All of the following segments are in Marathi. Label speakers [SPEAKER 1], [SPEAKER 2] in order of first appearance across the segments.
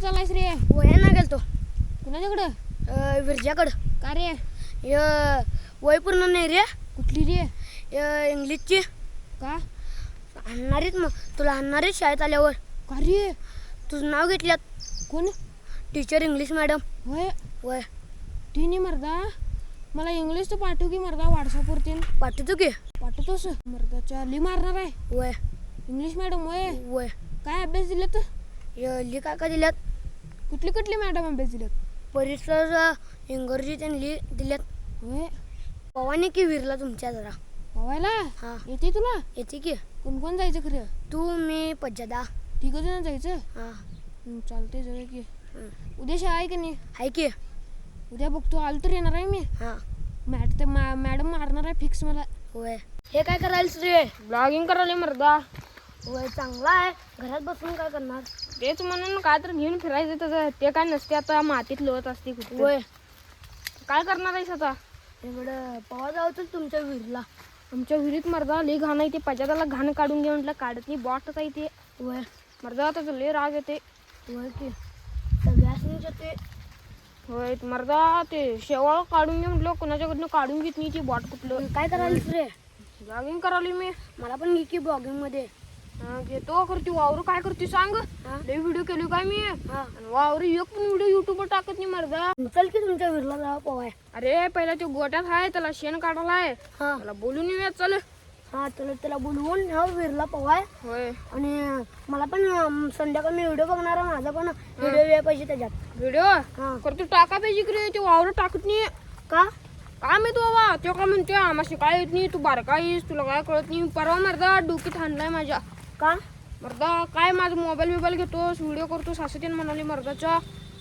[SPEAKER 1] चाललायस रे?
[SPEAKER 2] वया ना गेलतो
[SPEAKER 1] कुणाच्याकडं?
[SPEAKER 2] विरजाकडं.
[SPEAKER 1] का रे?
[SPEAKER 2] वय पूर्ण नाही रे.
[SPEAKER 1] कुठली रे?
[SPEAKER 2] इंग्लिशची.
[SPEAKER 1] का?
[SPEAKER 2] आणणारीच मग तुला आणणारीच शाळेत आल्यावर.
[SPEAKER 1] का रे?
[SPEAKER 2] तुझं नाव घेतल्यात
[SPEAKER 1] कोण?
[SPEAKER 2] Teacher English madam.
[SPEAKER 1] होय.
[SPEAKER 2] वय
[SPEAKER 1] तिने मर्दा मला इंग्लिश तर पाठव की मर्दा व्हॉट्सअपवरती.
[SPEAKER 2] पाठवतो की.
[SPEAKER 1] पाठवतोस? मर्दाच्या ली मारणार आहे
[SPEAKER 2] वय
[SPEAKER 1] इंग्लिश मॅडम. वय
[SPEAKER 2] वय
[SPEAKER 1] काय अभ्यास दिलेत?
[SPEAKER 2] ली काय दिल्यात.
[SPEAKER 1] कुठली कुठली मॅडम अभ्यास दिलेत?
[SPEAKER 2] परिसर इंग्रजी त्यांनी दिल्यात.
[SPEAKER 1] होय.
[SPEAKER 2] पवानी की विरला तुमच्या जरा
[SPEAKER 1] पवायला
[SPEAKER 2] हा
[SPEAKER 1] येते तुला?
[SPEAKER 2] येते की.
[SPEAKER 1] कोण कोण जायचं खरं?
[SPEAKER 2] तू मी पज्जादा.
[SPEAKER 1] ठीक जण जायचं.
[SPEAKER 2] हां
[SPEAKER 1] चालतंय जाऊया की. उद्या शाळा आहे की नाही?
[SPEAKER 2] आहे की.
[SPEAKER 1] उद्या बघतो आलो तर येणार आहे मी.
[SPEAKER 2] हां
[SPEAKER 1] मॅडम मारणार आहे फिक्स मला.
[SPEAKER 2] होय. हे काय करायलास रे?
[SPEAKER 1] ब्लॉगिंग करायला मर्दा.
[SPEAKER 2] वय चांगला आहे. घरात बसून काय करणार?
[SPEAKER 1] तेच म्हणून काय तर घेऊन फिरायचं त्याचं. ते काय नसते आता मातीत लोळत असते कुठे.
[SPEAKER 2] वय
[SPEAKER 1] काय करणार आहेस आता?
[SPEAKER 2] इकडं पवा जाऊ तुमच्या विरला.
[SPEAKER 1] आमच्या विहिरीत मर्दा लई घाण आहे. ते पजादाला घाण काढून घे म्हटलं काढत नाही. बॉटच आहे ते.
[SPEAKER 2] वय
[SPEAKER 1] मर्दा त्याचं लई राग येते.
[SPEAKER 2] वय की सगळ्यासनीच येते.
[SPEAKER 1] होय मर्दा ते शेवाळ काढून घे म्हटलं कोणाच्याकडनं काढून घेत नाही ती बॉट कुठलं.
[SPEAKER 2] काय करायलास रे?
[SPEAKER 1] ब्लॉगिंग करायला मी.
[SPEAKER 2] मला पण घे की ब्लॉगिंग मध्ये.
[SPEAKER 1] घेतो करते वावर काय करते सांग. लई व्हिडिओ केले काय मी.
[SPEAKER 2] हां
[SPEAKER 1] वावर एक पण व्हिडिओ युट्यूबवर टाकत नाही मर्दा.
[SPEAKER 2] चल की तुमच्या विरला जावा पवाय.
[SPEAKER 1] अरे पहिला ते गोट्यात आहे त्याला शेण काढायला आहे.
[SPEAKER 2] हां
[SPEAKER 1] मला बोलून येऊया चल.
[SPEAKER 2] हां त्याला बोलवून ह्या विरला पवाय.
[SPEAKER 1] होय.
[SPEAKER 2] आणि मला पण संध्याकाळी मी व्हिडिओ बघणार आहे. माझा पण व्हिडिओ यायला पाहिजे त्याच्यात.
[SPEAKER 1] व्हिडिओ
[SPEAKER 2] हां
[SPEAKER 1] करतो टाका पाहिजे की रे. ते वावर टाकत नाही.
[SPEAKER 2] का?
[SPEAKER 1] काय माहित बाबा तो काय म्हणते आम्हाला काय येत नाही. तू बारका आहेस तुला काय कळत नाही. परवा मर्दा डोकीत हाणलाय माझ्या.
[SPEAKER 2] का?
[SPEAKER 1] मर्दा काय माझा मोबाईल घेतोस व्हिडिओ करतोस असं त्यानं म्हणाली मर्दाच्या.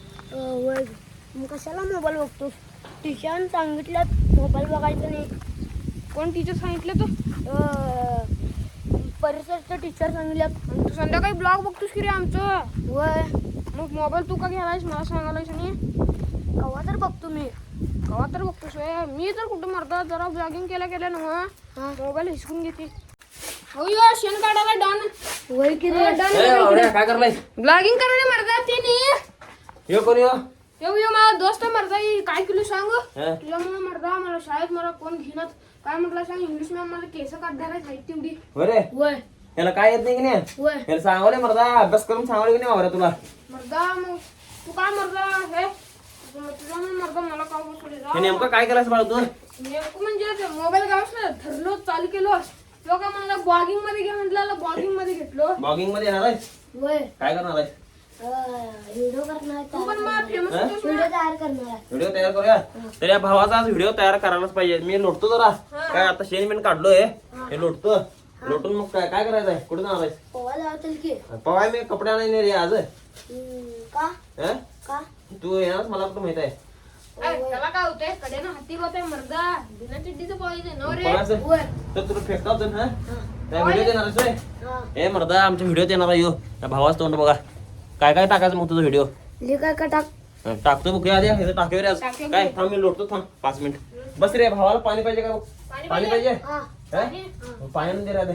[SPEAKER 2] वय मग कशाला मोबाईल बघतोस? टीचर सांगितलं मोबाईल बघायचं नाही.
[SPEAKER 1] कोण टीचर सांगितलं तर?
[SPEAKER 2] परिसरचं टीचर सांगितलं.
[SPEAKER 1] तू संध्याकाळी ब्लॉग बघतोस की रे आमचं.
[SPEAKER 2] वय
[SPEAKER 1] मग मोबाईल तू का घ्यायलायस मला सांगायलायस नाही.
[SPEAKER 2] कवा तर बघतो मी.
[SPEAKER 1] कवा तर बघतोस होय. मी तर कुठं मर्दा जरा ब्लॉगिंग केल्या ना
[SPEAKER 2] हां
[SPEAKER 1] मोबाईल हिसकून घेते. हो यो शेण काढायला डॉन.
[SPEAKER 2] वय की रे.
[SPEAKER 3] काय करलाय?
[SPEAKER 1] ब्लॉगिंग करायला मर्दा ते नाही.
[SPEAKER 3] यो कोण यो?
[SPEAKER 1] यो माझा दोस्त मर्दा काय केलं सांग.
[SPEAKER 3] हं?
[SPEAKER 1] तुझ्यामुळे मर्दा मला शाळेत मला कोण घेणार. काय म्हटलं सांग इंग्लिश मॅम मला केस काढणार आहे तेवढी.
[SPEAKER 3] बरे
[SPEAKER 2] वय
[SPEAKER 3] याला काय येत नाही की नाही?
[SPEAKER 2] वय
[SPEAKER 3] याला सांगावले मर्दा अभ्यास करून सांगावले की नाही वावरा तुला?
[SPEAKER 1] मर्दा मग तू काय मर्दा हे तुझ्यामुळे मर्दा मला काय बसवले
[SPEAKER 3] हे नेमकं काय करायचं बाळा तू?
[SPEAKER 1] नेमकं म्हणजे मोबाईल गावस ना ठरलो चालू केलो. तो काय मला ब्लॉगिंग मध्ये घे म्हटलं ब्लॉगिंग मध्ये घेतलो.
[SPEAKER 3] ब्लॉगिंग मध्ये येणार आहेस?
[SPEAKER 2] वय
[SPEAKER 3] काय करणार आहेस?
[SPEAKER 2] व्हिडिओ करणार.
[SPEAKER 1] तू पण मला फेमस
[SPEAKER 3] हं?
[SPEAKER 1] होतोस
[SPEAKER 2] व्हिडिओ
[SPEAKER 1] ना.
[SPEAKER 2] तयार करणार.
[SPEAKER 3] व्हिडिओ तयार करूया. तर या भावाचा आज व्हिडिओ तयार करायलाच पाहिजे. मी लोटतो जरा. काय आता शेण बिन काढलोय हे लोटतो. लोटून मग काय काय करायचं आहे? कुठे जाणार आहेस?
[SPEAKER 2] पवा जाऊ की.
[SPEAKER 3] पवाय मी कपडे आणायला रे आज.
[SPEAKER 2] का?
[SPEAKER 3] हं?
[SPEAKER 2] का?
[SPEAKER 3] तू येणार मला कुठं माहित आहे?
[SPEAKER 1] त्याला काय होतंय कडेनं हाती होतंय मर्दा. बिना चिड्डीचं पाहिजे ना रे.
[SPEAKER 3] पवायचं?
[SPEAKER 2] वय
[SPEAKER 3] तर तुला फेकताव हा त्या व्हिडिओ येणार आहेस होय?
[SPEAKER 2] हां
[SPEAKER 3] ए मर्दा आमच्या व्हिडिओत येणार आहे यो. त्या भावाचं तोंड बघा. काय काय टाकायचं मग तुझा व्हिडिओ?
[SPEAKER 2] लिखा का टाक.
[SPEAKER 3] टाकतो बघ आधी हे टाकूया रे आज.
[SPEAKER 1] टाकूया
[SPEAKER 3] काय थांब मी लोटतो थांब 5 मिनिट. बस रे भावाला पाणी पाहिजे का बघ. पाणी पाहिजे
[SPEAKER 2] हां
[SPEAKER 3] हं? पाणी आणून दे रे आधी.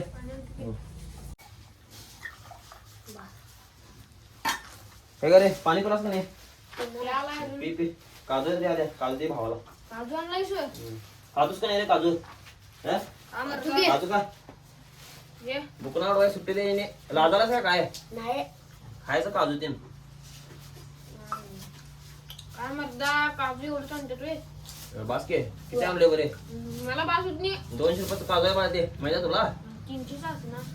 [SPEAKER 3] हे का रे पाणी पिलास का नाही? पी पी. काजू दे आधी. काजू दे भावाला.
[SPEAKER 1] काजू आणलायस होय?
[SPEAKER 3] काजूच का नाही रे काजू? हं?
[SPEAKER 1] हा मर्दा
[SPEAKER 3] काजू का?
[SPEAKER 1] ये.
[SPEAKER 3] दुकानावर डोळ्या सुट्टी दे येणे. लाजालाच का काय?
[SPEAKER 2] नाही.
[SPEAKER 3] खायचं काजू ते.
[SPEAKER 1] काय मर्दा काजू एवढं आणतात रे.
[SPEAKER 3] बास के किती आणले बरे?
[SPEAKER 1] मला बास होत नाही.
[SPEAKER 3] 200 रुपयाचं काजू आहे मला ते माहिती आहे तुला?
[SPEAKER 1] 300 असं ना.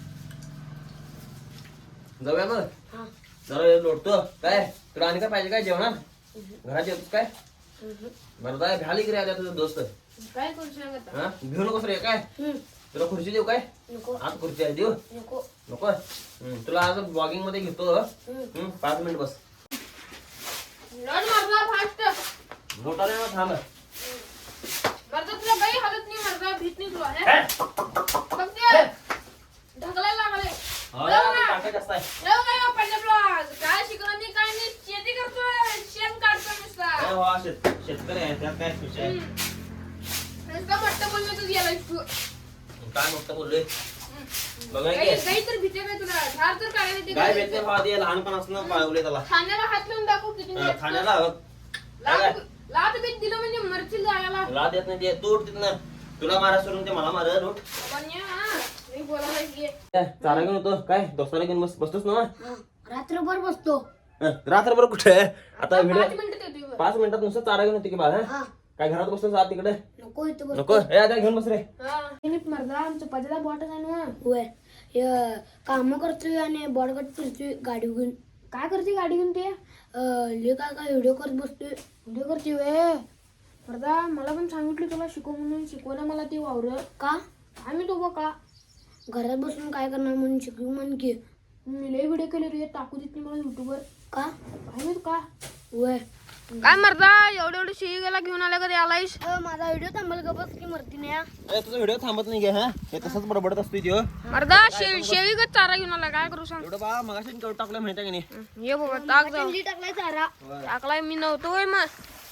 [SPEAKER 3] जाऊया मग.
[SPEAKER 2] हां
[SPEAKER 3] जरा लोटतो काय तुला आणि काय पाहिजे काय जेवणार? घरात जेवतोस काय? बरं जाय भ्याली की रे आल्या तुझं दोस्त.
[SPEAKER 1] काय करू सांगत
[SPEAKER 3] हा घेऊ नकोस रे काय? तुला खुर्ची देऊ काय?
[SPEAKER 2] नको
[SPEAKER 3] आज खुर्ची आहे देऊ
[SPEAKER 2] नको.
[SPEAKER 3] नको. तुला आज ब्लॉगिंग मध्ये घेतो. 5 मिनिट बस.
[SPEAKER 1] लढ मर्दा फास्ट.
[SPEAKER 3] मोठा नाही ना थांब.
[SPEAKER 1] मर्दा तुला काही हालत नाही मर्दा भीत नाही तुला हे. बघ ते ढकलायला लागले.
[SPEAKER 3] टाकायचं असतं आहे.
[SPEAKER 1] जाऊ काय बाप्पा ब्लॉग काय शिकवलं नाही काय नाही शेती करतोय शेण काढतोय नुसता.
[SPEAKER 3] काय हो, शेतकरी आहे त्यात काय खुश आहे?
[SPEAKER 1] नुसता म्हटलं बोललो तू गेला तू.
[SPEAKER 3] काय मोठं बोललोय? बघा
[SPEAKER 1] गाई
[SPEAKER 3] की
[SPEAKER 1] गाई तर भीते काय तुला धार तर काढायला येते
[SPEAKER 3] काय
[SPEAKER 1] का?
[SPEAKER 3] भेटते भावा ते लहानपणापासून पाळवले त्याला
[SPEAKER 1] खाण्याला हात लावून दाखव किती नीट.
[SPEAKER 3] खाण्याला
[SPEAKER 1] लात बीत दिलं म्हणजे मरशील जायला.
[SPEAKER 3] लाद येत नाही ते तू उठ तिथनं तुला मारा सोडून ते मला मारल उठ
[SPEAKER 1] बाबांनी, हा, मी बोलायला की
[SPEAKER 3] चारा घेऊन होतो काय दोस्ताला घेऊन बसतोस ना
[SPEAKER 2] रात्रभर बसतो.
[SPEAKER 3] रात्रभर कुठे आता व्हिडिओ
[SPEAKER 1] 5 मिनिटं देतोय बघ.
[SPEAKER 3] 5 मिनिटात नुसतं चारा घेऊन होते की बाळा
[SPEAKER 2] हा
[SPEAKER 3] काय घरात बसतोस आत तिकडे
[SPEAKER 2] नको इथं बस.
[SPEAKER 3] नको ए आता घेऊन बस रे
[SPEAKER 1] हा. मर्दा आमच्या पजाला बॉटच आहे ना.
[SPEAKER 2] होय काम करतोय आणि बॉडगट फिरतोय गाडी घेऊन.
[SPEAKER 1] काय करते गाडी घेऊन ते?
[SPEAKER 2] ले काय व्हिडिओ करत बसतोय.
[SPEAKER 1] व्हिडिओ करते वे मर्दा. मला पण सांगितलं तुला शिकव म्हणून, शिकवलं मला ते वावर.
[SPEAKER 2] का
[SPEAKER 1] आम्ही तो बघ का
[SPEAKER 2] घरात बसून काय करणार म्हणून शिकू म्हण की.
[SPEAKER 1] मी लय व्हिडिओ केले रे, टाकू देत नाही मला युट्यूबवर.
[SPEAKER 2] का
[SPEAKER 1] काय माहित का
[SPEAKER 2] होय
[SPEAKER 1] काय मर्दा एवढे शेळीला घेऊन आल्या कधी आलायस?
[SPEAKER 2] माझा व्हिडिओ थांबल का बस की मरती नाही.
[SPEAKER 3] तुझा व्हिडिओ थांबत नाही घे हा हे तसंच बडबडत असतोय त्यो
[SPEAKER 1] मर्दा शेळीगत चारा घेऊन आला, काय करू सांग?
[SPEAKER 3] एवढं बा मगाशी केवढं टाकलं माहिती आहे की नाही
[SPEAKER 1] ये बाबा टाक जाऊ.
[SPEAKER 2] अंडी टाकलाय चारा.
[SPEAKER 1] टाकलाय मी नव्हतो होय मग.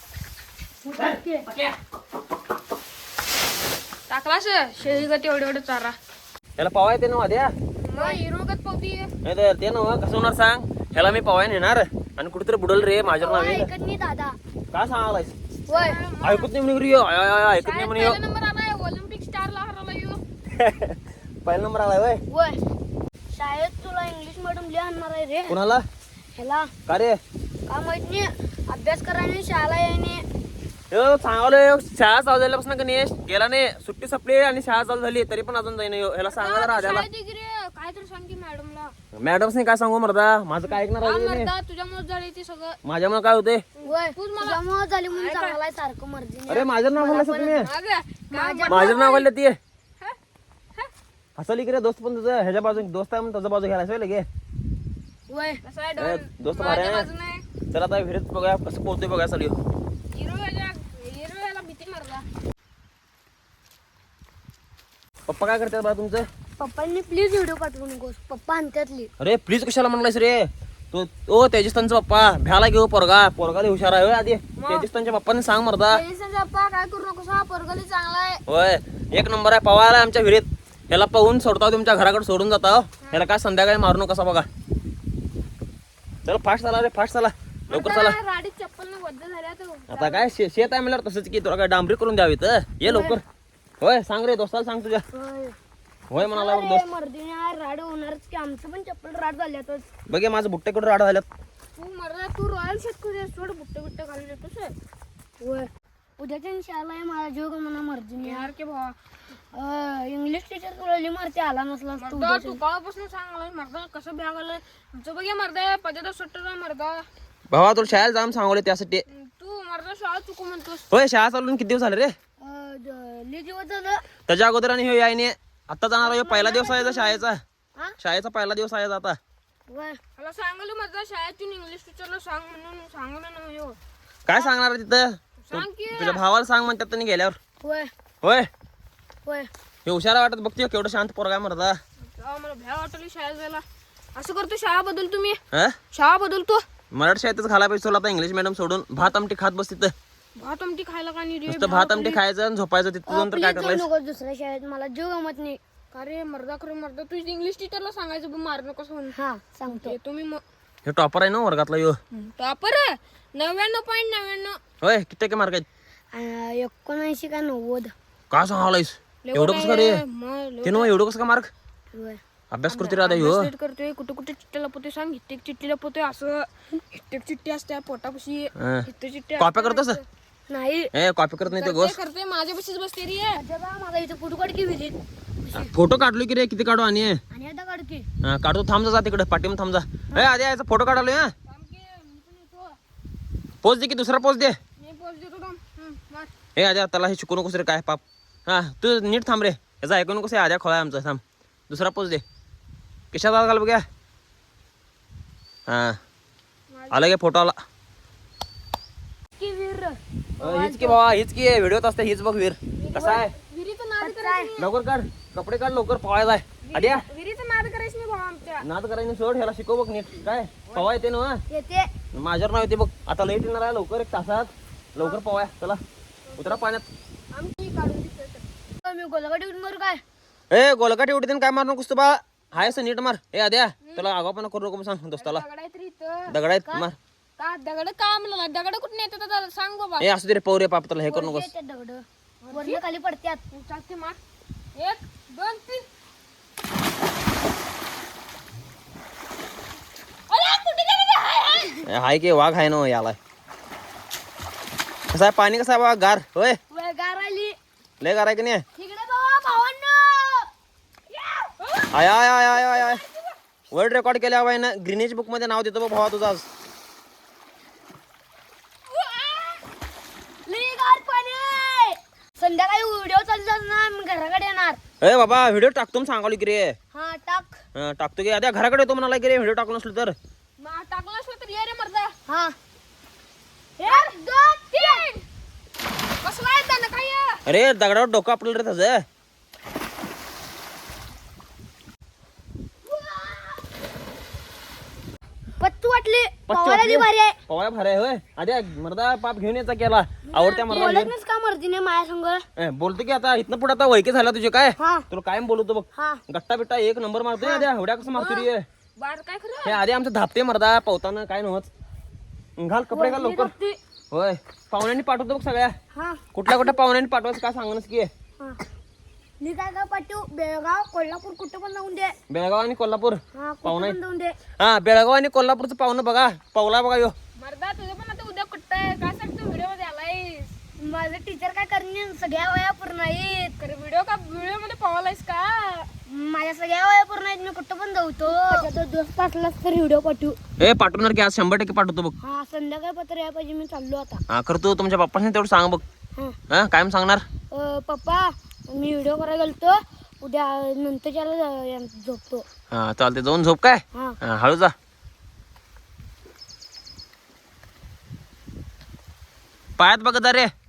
[SPEAKER 1] टाकलास शेळीगत एवढे चारा.
[SPEAKER 3] त्याला पवाय ते ना द्या
[SPEAKER 1] मग हिरोगत पावती.
[SPEAKER 3] नाही तर ते ना कसं होणार सांग ह्याला मी पवाय नेणार आणि कुठेतरी बुडल रे माझ्या नावे
[SPEAKER 2] ऐकत नाही दादा.
[SPEAKER 3] काय सांगालायस
[SPEAKER 2] होय
[SPEAKER 3] ऐकत नाही म्हणे रिओ ऐकत नाही म्हणे
[SPEAKER 1] पहिला नंबर आलाय ऑलिम्पिक स्टारला हरवला यो.
[SPEAKER 3] पहिला नंबर आलाय वय
[SPEAKER 2] होय शाळेत तुला इंग्लिश मॅडम लिहा आणणार आहे रे.
[SPEAKER 3] कुणाला
[SPEAKER 2] ह्याला
[SPEAKER 3] का रे
[SPEAKER 2] का माहित नाही अभ्यास करायला शाळा यायने.
[SPEAKER 3] सांगावलं शाळा चालू झाल्यापासून का नाही गेला नाही सुट्टी संपली आणि शाळा चालू झाली तरी पण अजून जाईन ह्याला सांगा राजाला
[SPEAKER 1] शाळेत ये की रे, काय तर सांग की मॅडमला.
[SPEAKER 3] मॅडमने काय सांगू मर्दा माझं काय ऐकणार
[SPEAKER 1] हा
[SPEAKER 3] आहे तुम्ही?
[SPEAKER 1] मर्दा तुझ्यामुळे झाले ते सगळं.
[SPEAKER 3] माझ्यामुळे काय होते
[SPEAKER 2] होय तुझ्यामुळे झाली म्हणून चांगलाय सारखं मर्जी.
[SPEAKER 3] अरे माझं नाव बोलला तुम्ही
[SPEAKER 1] अगं,
[SPEAKER 3] माझं नाव बोलले ती हसली की रे दोस्त पण तुझं ह्याच्या बाजू दोस्त आहे म्हणून त्याच्या बाजू घ्यायला असं लगे
[SPEAKER 2] होय
[SPEAKER 1] कसं आहे
[SPEAKER 3] अरे,
[SPEAKER 1] डॉन?
[SPEAKER 3] दोस्त
[SPEAKER 1] माझ्या
[SPEAKER 3] मारे.
[SPEAKER 1] बाजूने आहे.
[SPEAKER 3] चला आता विहिरीत बघा कसं पोहतोय बघा चालू
[SPEAKER 1] हिरो याला भीती मर्दा.
[SPEAKER 3] पप्पा काय करतात बा तुमचं
[SPEAKER 2] पप्पांनी प्लीज व्हिडिओ पाठवू नकोस. पप्पा आणतातली.
[SPEAKER 3] अरे प्लीज कशाला म्हणलायस रे तो ओ तेजस्तानचा पप्पा भ्याला घेऊ पोरगा लय हुशार आहे होय आधी तेजस्तानच्या पप्पाने सांग मर्दा
[SPEAKER 1] पप्पा काय करू नकोस, हा पोरगली चांगला आहे.
[SPEAKER 3] होय 1 नंबर आहे पवायला आमच्या विहिरीत ह्याला पाहून सोडता तुमच्या घराकडे सोडून जाता ह्याला काय संध्याकाळी मारू नका बघा चला फास्ट चला रे फास्ट चला लवकर चला
[SPEAKER 1] राडीत चप्पल न बद्द झाल्या तो.
[SPEAKER 3] आता काय शेत आहे म्हणल्यावर तसंच की तुला काय डांबरी करून द्यावी तर ये लवकर होय सांग रे दोस्ताला सांग तुझ्या
[SPEAKER 2] होय
[SPEAKER 3] होय म्हणाला बघ दोस्त
[SPEAKER 2] मर्दीने राड होणारच की. आमचं पण चप्पल राड झाल्यातच.
[SPEAKER 3] बघे माझं बुट्टे कुठं राड झाल्यात
[SPEAKER 1] तू मर्दा तू रॉयल शेतकरी आहेस, सोड बुट्टे बुट्टे घालून येतोस आहे.
[SPEAKER 2] होय उद्याच्या शाळा आहे माझा जीव म्हणा मर्जीने.
[SPEAKER 1] यार के भावा
[SPEAKER 2] इंग्लिश टीचर तुला लई मारते आला नसलास तू.
[SPEAKER 1] मर्दा तू काळापासून सांगलाय मर्दा कसं भ्या घालय आमचं बघ मर्दा पजादा सुट्ट आहे मर्दा.
[SPEAKER 3] भावा तुला शाळेत जाऊन सांगवले त्यासाठी
[SPEAKER 1] तू मर्दा शाळा चुकू म्हणतोस.
[SPEAKER 3] होय शाळा चालून किती दिवस झाले रे
[SPEAKER 2] लई दिवस झालं.
[SPEAKER 3] त्याच्या अगोदर आणि हे यायने आता जाणार आहे पहिला दिवस आहे शाळेचा
[SPEAKER 2] हा?
[SPEAKER 3] शाळेचा पहिला दिवस आहे आता
[SPEAKER 2] होय
[SPEAKER 1] मला सांगलं मर्दा शाळेतून इंग्लिश टीचरला सांग म्हणून सांगलं ना यो.
[SPEAKER 3] काय सांगणार आहे तिथं
[SPEAKER 1] सांग की
[SPEAKER 3] तुझ्या भावाला सांग म्हणतात त्यांनी गेल्यावर
[SPEAKER 2] होय
[SPEAKER 3] होय
[SPEAKER 2] होय
[SPEAKER 3] हे हुशार वाटत बघते केवढं शांत पोरगा मरदा
[SPEAKER 1] मला भ्या वाटली शाळेत जायला. असं करतो शाळा बदल तुम्ही
[SPEAKER 3] हा
[SPEAKER 1] शाळा बदलतो.
[SPEAKER 3] मराठी शाळेतच घाला पाहिजे तुला आता इंग्लिश मॅडम सोडून भात आमटी खात बस तिथं
[SPEAKER 1] भात आमटी खायला का नाही रे?
[SPEAKER 3] नुसतं भात आमटी खायचं आणि झोपायचं तिथं जाऊन तर काय
[SPEAKER 2] प्लीज
[SPEAKER 3] करायचं
[SPEAKER 2] नको दुसऱ्या शाळेत. मला जीव गमत नाही.
[SPEAKER 1] का रे मर्दा खरं मर्दा तू इंग्लिश टीचरला सांगायचं बघ मार नकोस म्हणून.
[SPEAKER 2] हा सांगतो.
[SPEAKER 1] ते तुम्ही
[SPEAKER 3] हे टॉपर आहे ना वर्गातला यो
[SPEAKER 1] टॉपर 99.99.
[SPEAKER 3] होय किती टक्के मार्क आहेत
[SPEAKER 2] 79 का 90.
[SPEAKER 3] का सांगालायस एवढं कसं का रे ते ना एवढं कसं का मार्क
[SPEAKER 2] होय
[SPEAKER 3] अभ्यास करते राहता ह्यो
[SPEAKER 1] अभ्यास नीट करतोय कुठे कुठे चिट्ट्या लपवतोय सांग. हिट्टेक चिट्टी लपवतोय असं हिट्टेक चिट्टी असते पोटापाशी
[SPEAKER 3] हा.
[SPEAKER 1] हिट्टे चिट्टी
[SPEAKER 3] कॉप्या करतोस
[SPEAKER 2] नाही
[SPEAKER 3] ए कॉपी करत नाही ते गोष्ट
[SPEAKER 1] करते माझ्यापाशीच बसते रे.
[SPEAKER 2] अजबा माझा इथं फोटो काढ की विहिरीत.
[SPEAKER 3] फोटो काढलो की रे किती काढू आणि
[SPEAKER 2] आणि आता काढ की.
[SPEAKER 3] काढतो थांब जा तिकडे पाठीम थांब जा ए आधी यायचा फोटो काढलो हा
[SPEAKER 1] थांब की, मी पण येतो.
[SPEAKER 3] पोच दे की दुसरा पोच दे
[SPEAKER 1] मी पोच देतो थांब. मार.
[SPEAKER 3] हे आद्या त्याला हे शिकू नकोस रे काय पाप हा तू नीट थांब रे याचा ऐकू नकोस हे आद्या खोळा आमचा थांब दुसरा पोच दे किशात आला घाल बघ्या हा आला गे फोटो आला
[SPEAKER 2] की विहीर
[SPEAKER 3] हीच की बाबा हीच की व्हिडिओत असते हीच बघ वीर कसा आहे
[SPEAKER 1] विहिरीचं नाद
[SPEAKER 2] कच्चा आहे.
[SPEAKER 3] लवकर काढ कपडे काढ लवकर पवायला आहे आद्या
[SPEAKER 1] विहिरीचं नाद करायचं नाही भावा आमच्या.
[SPEAKER 3] नाद करायचं सोड ह्याला शिकव बघ नीट काय पवा येते ना
[SPEAKER 2] येते.
[SPEAKER 3] माझ्यावर नाव येते बघ आता लाईट येणार आहे लवकर 1 तासात लवकर पवाय चला उतरा पाण्यात
[SPEAKER 1] आमची काढून दिसतोय.
[SPEAKER 2] मी गोलगाडी उडून मारू काय.
[SPEAKER 3] ए गोलकाठी उडते काय मार नकोस तू बा हाय असं नीट मार ए आद्या तुला आगावपणा करू नको सांग दोस्ताला
[SPEAKER 1] दगड आहे तरी इथं
[SPEAKER 3] दगड आहेत मार
[SPEAKER 1] का दगड का म्हणला दगड कुठे येते दादा सांग बाबा
[SPEAKER 3] ए असू दे रे पौरे पाप तुला हे करू नकोस
[SPEAKER 2] ते दगड वरनं खाली पडत्यात
[SPEAKER 1] चालते मार 1 2 3 अरे कुठे गेले ते? हाय हाय
[SPEAKER 3] ए, हाय की वाघ आहे ना याला कसं आहे पाणी कसं आहे बा गार होय
[SPEAKER 2] गार आली
[SPEAKER 3] लय गार आहे की नाही
[SPEAKER 2] तिकडे बाबा भावांनो
[SPEAKER 3] आय आय आय आय आय आय वर्ल्ड रेकॉर्ड केल्या बाई ना ग्रीनेज बुक मध्ये नाव देतो बा भावा तुझा आज
[SPEAKER 2] लई गार पाणी आहे. संध्याकाळी व्हिडिओ चालू ना मी घराकडे येणार
[SPEAKER 3] ए बाबा व्हिडिओ टाकतो म्हणून सांगालो की रे
[SPEAKER 2] हा टाक
[SPEAKER 3] टाकतो की आद्या घराकडे येतो म्हणाला की रे व्हिडिओ टाकलो नसलो तर
[SPEAKER 1] टाकलं असलं तर ये रे मर्दा
[SPEAKER 2] हा
[SPEAKER 1] 1 2 3 कसला आहे त्यानं काय आहे?
[SPEAKER 3] अरे दगडावर डोकं आपलं रे त्याचं
[SPEAKER 2] पत्तू वाटली
[SPEAKER 3] पत्तू
[SPEAKER 2] पवायला
[SPEAKER 3] वाटली?
[SPEAKER 2] लई भारी आहे
[SPEAKER 3] पवाया भारी आहे होय आद्या मर्दा पाप घेऊन यायचा केला आवडत्या मर्दा
[SPEAKER 2] बोलत का मर्दीने माझ्या संग
[SPEAKER 3] बोलतो की आता इथनं पुढे आता वैके झाला तुझे काय
[SPEAKER 2] हा
[SPEAKER 3] तुला कायम बोलतो बघ
[SPEAKER 2] हा
[SPEAKER 3] गट्टा बिट्टा एक नंबर मारतोय आद्या एवढ्या कसं मारतो रे
[SPEAKER 1] बार काय खरं
[SPEAKER 3] हे आधी आमचं धापते मर्दा पवताना काय नव्हत घाल कपडे घाल लवकर
[SPEAKER 2] वरती.
[SPEAKER 3] होय पाहुण्यांनी पाठवतो बघ सगळ्या
[SPEAKER 2] हा
[SPEAKER 3] कुठल्या पाहुण्यांनी पाठवायचं काय सांगणच की
[SPEAKER 2] हा मी काय काय पाठवू बेळगाव कोल्हापूर कुठं पण जाऊन दे
[SPEAKER 3] बेळगाव आणि कोल्हापूर
[SPEAKER 2] हा
[SPEAKER 3] पाहुणा
[SPEAKER 2] कुठं पण जाऊन दे
[SPEAKER 3] हा बेळगाव आणि कोल्हापूरचं पाहुणं बघा पावला बघा यो
[SPEAKER 1] मर्दा तुझं पण आता उद्या कुठं आहे काय सांगतो व्हिडिओ मध्ये आलायस
[SPEAKER 2] माझं टीचर काय करणे सगळ्या वया पूर्ण आहेत
[SPEAKER 1] खरं व्हिडिओ मध्ये पावलायस का
[SPEAKER 2] माझ्या सगळ्या वया पूर्ण आहेत मी कुठं पण जाऊतो दोस्त असलास तर व्हिडिओ पाठवू
[SPEAKER 3] ए पाठवणार की आज 100% पाठवतो बघ
[SPEAKER 2] हा संध्याकाळी पत्र या पाहिजे मी चाललो आता
[SPEAKER 3] हा करतो तुमच्या पप्पाने तेवढं सांग बघ
[SPEAKER 2] हा
[SPEAKER 3] हा कायम सांगणार
[SPEAKER 2] पप्पा मी व्हिडिओ करायला गेलतो उद्या नंतरच्याला झोपतो
[SPEAKER 3] हा चालते जाऊन झोप काय
[SPEAKER 2] हा
[SPEAKER 3] हा हळू जा पायात बघत जा रे